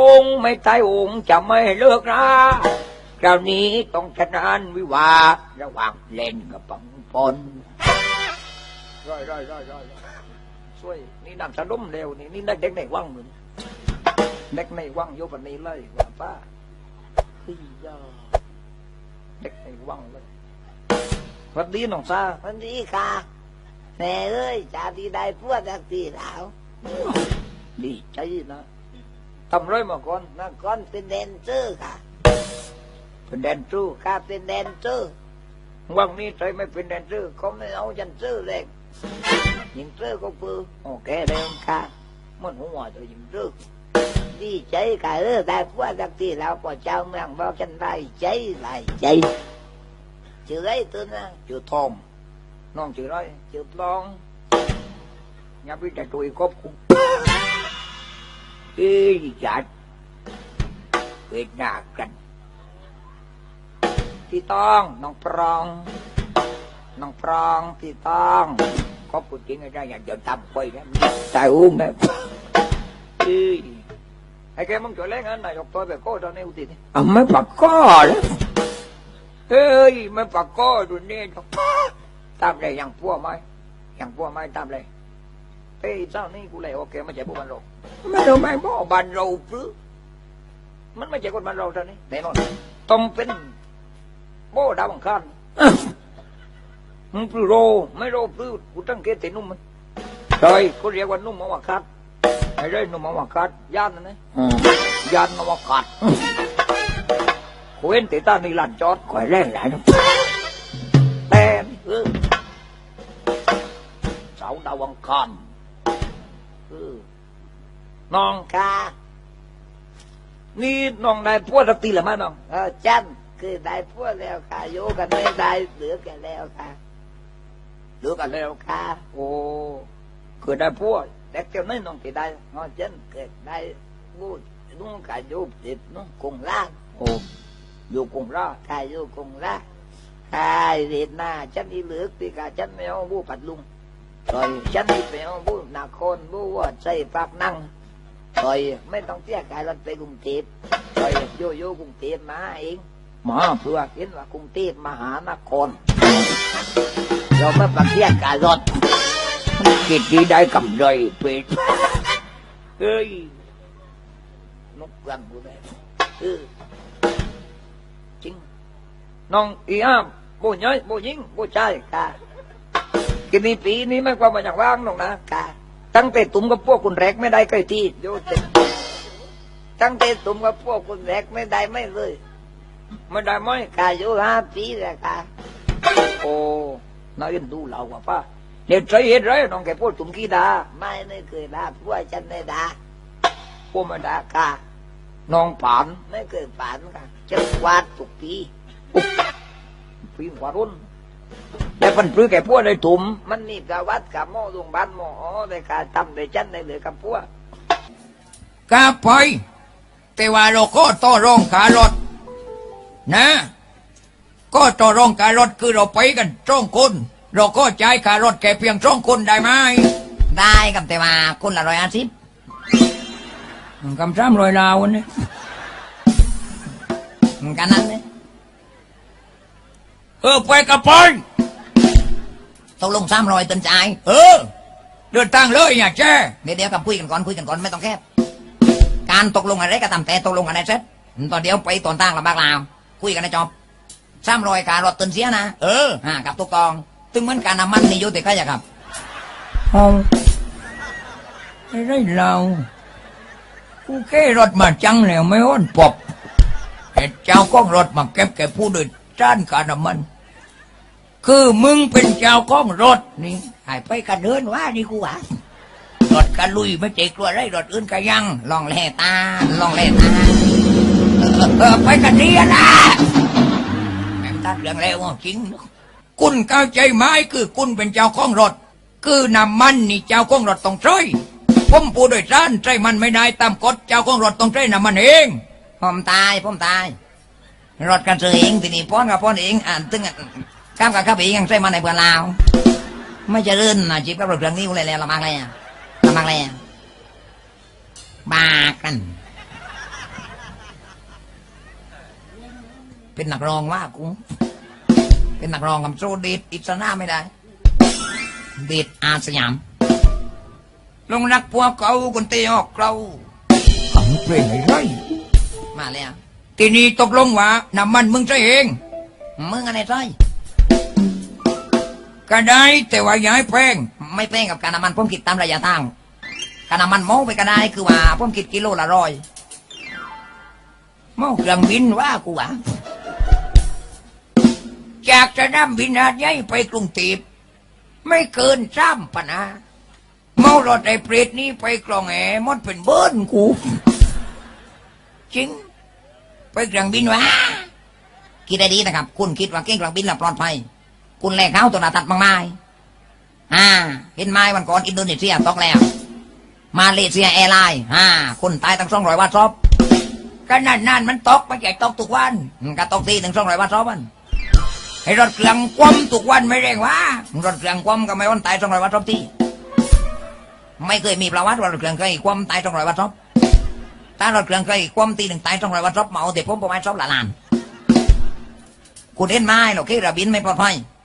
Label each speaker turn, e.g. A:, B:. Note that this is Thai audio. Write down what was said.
A: องค์ไม่ตายองค์จะไม่เลิกราคราวนี้ต้องชนะวิวาระหว่างเล่นกับปังปอนร้อยช่วยนี่นั่งสะดุ้มเร็วนี่ได้เด็กในวังเหมือนเด็กในวังโยบันนี้เลยว่าป้าพี่ยาเด็กในวังเลยวันดีน้องซาวันดีค่ะแม่เอ้ยจ่าดีได้พวดจากตีแล้วดีใจนะทำไรมาก่อนนะก่อนเป็นแดนเซอร์ค่ะเป็นแดนเซอร์ค่ะเป็นแดนเซอร์วังนี้ใจไม่เป็นแดนเซอร์เขาไม่เอาจันเซอร์เลยยิงเซอร์ก็ปืนโอเคเลยค่ะมันหัวตัวยิงเซอร์ดีใจค่ะได้พวดจากตีแล้วพอเจ้าเมืองบอกฉันได้ใจชื่อไรตัวนะชื่อทองน้องชื่อไรชื่อปลองอย่าไปแต่ตัวครบคุมจัดเวทนากันพี่ต้องน้องปรองพี่ต้องก็พูดจริงไอ้ได้อย่าเดินตามไปนะใจอุ้มนะไอ้แกมึงจะเล่นอะไรยกตัวแบบโก้ตอนนี้อุติไม่ปักก้อเลยไม่ปักก้อดูนี่ตามเลยอย่างพัวไหมตามเลยเจ้านี่กูเลยโอเคไม่ใช่พวกบันโรไม่รู้ไม่บอกบันโรปรือมันไม่ใช่คนบันโรเท่านี้แน่นอนต้องเป็นโบดาวบังคับมึงปรือโรไม่โรปรือกูตั้งเกตนุ่มมันใช่เขาเรียกว่านุ่มมาวคัดไอ้เรื่องนุ่มมาวคัดย่านนั่นนะย่านมาวคัดกูเห็นแต่ตาในลานจอดคอยแรงหลายนะแต่เสาดาวบังคับน้องค่ะนี่น้องได้พวดสักทีหรือไม่น้องจันคือได้พวดแล้วค่ะโยกันไม่ได้เหลือกันแล้วค่ะโอ้คือได้พวดแต่เจ้าไม่น้องที่ได้น้องจันเกิดได้พูดนุ่งกายโยติดนุ่งคงล่างโอ้อยู่คงล่ากายโยคงล่าใช่เด็ดหน้าจันอีเหลือตีกาจันไม่เอาบูปัดลุงrồiฉันนี่ไปเอาบุญนาคนบุว่าใส่ปากนั่งrồiไม่ต้องเสียกายรถไปกรุงเทพrồiโยกรุงเทพมาเองหมอเพื่อเห็นว่ากรุงเทพมหานครเราไม่ปักเสียกายรถกิจที่ได้กำไรเป็ดเฮ้ยนกกันกูได้จริงน้องอีอ้ามโบย้อยโบยิงโบใจค่ะกินนี้ปีนี้ไม่ความมาอย่างว่างหรอกนะค่ะตั้งแต่ตุ่มกับพวกคุณแรกไม่ได้ใกล้ที่โยเต็มตั้งแต่ตุ่มกับพวกคุณแรกไม่ได้ไม่เลยไม่ได้ไม่ค่ะโย5 ปีแล้วค่ะโอ้น้อยดูเราว่าป้าเดี๋ยวใจเห็นไรน้องแกพูดตุ่มกี่ดาไม่เคยด่าพวกฉันไม่ด่าพวกมันด่าค่ะน้องผ่านไม่เคยผ่านค่ะจะวาดทุกปีปีกว่ารุ่นแต่พันปลื้แก่พวกในถุ่มมันนี่กะวัดกะหม้อดวงบ้านหม้อในการทำในชั้นในเหลือกับพวกกะไปแต่ว่าเราก็ต่อรองขารถนะก็ต่อรองขารถคือเราไปกัน2 คนเราก็จ่ายขารถแค่เพียง2 คนได้ไหมได้กับแต่ว่าคนละ150กำ300 ลาวนี่กันนั้นเนี่ยไปกับไปตกลง300 ต้นใจเดินทางเลยอย่าแช่เดี๋ยวกับคุยกันก่อนไม่ต้องแคบการตกลงอะไรก็ตามแต่ตกลงกันได้เสร็จตอนเดียวไปตอนตั้งลำบากลาวคุยกันได้จบ300การรถต้นเสียนะกับตุกตองตึงเหมือนการน้ำมันนี่ยุติใครจะครับไม่ได้เรากูแค่รถมาจังแล้วไม่อ้อนปบเจ้าก็รถมาเก็บแกผู้โดยสารการน้ำมันคือมึงเป็นเจ้าของรถนี่หายไปกันเดินว่านี่กูว่ารถกันลุยไม่เจ๊กลัวไรรถอื่นกันยังลองแล่ตาไปกันดีนะแม่ตัดเรื่องแล้วจริงคุณเข้าใจไหมคือคุณเป็นเจ้าของรถคือน้ำมันนี่เจ้าของรถต้องใช้ผมผู้โดยสารใช้มันไม่ได้ตามกฎเจ้าของรถต้องใช้น้ำมันเองผมตายรถกันซื้อเองทีนี้ป้อนกับป้อนเองตึงข้ามกับข้าไปยังใช้มันในเพื่อนลาวไม่จะลื่นนะจีบกับรถเครื่องนี้กูเลยแล้วละมังเลยบากัน
B: เป็นนักร้องว่ากูเป็นนักร้องกับโซเดทอิสระไม่ได้เดทอาสยามลงรักพวกเขาคนเตะออกเราขังเพลงไอ้ไรมาแล้วทีนี้ตกลงว่าน้ำมันมึงใช่เองมึงอะไรใช่ก็ได้แต่ว่าอย่าให้แพงไม่แพงกับการน้ำมันผมคิดตามระยะทางการน้ำมันเมาไปก็ได้คือว่าผมคิดกิโลละ100เมาเครื่องบินว่ากูว่าจากสนามบินหาดใหญ่ไปกรุงเทพไม่เกิน3 ปันนาเมารถไอ้เปรตนี้ไปกลองแหมดเป็นเบิ้ลกูจริงไปเครื่องบินวะคิดได้ดีนะครับคุณคิดว่าเก่งเครื่องบินแล้วปลอดภัยคุณแลกเขาตัวหน้าตัดมากมายเห็นไหมวันก่อนอินโดนีเซียตกแล้วมาเลเซียแอร์ไลน์คนตายตั้ง200 วัตต์ซอบก็นั่นมันตกไม่ใช่ตกทุกวันก็ตกทีถึง200 วัตต์ซอบวันให้รถเครื่องคว่ำทุกวันไม่เร่งวะรถเครื่องคว่ำก็ไม่วันตาย200 วัตต์ซอบทีไม่เคยมีประวัติว่ารถเครื่องเคยคว่ำตาย200 วัตต์ซอบถ้ารถเครื่องเคยคว่ำทีหนึ่งตาย200 วัตต์ซอบเมาแต่ผมประมาณซอบละล้านคุณเห็นไหมหรอกที่ระบินไม่ปลอดภัย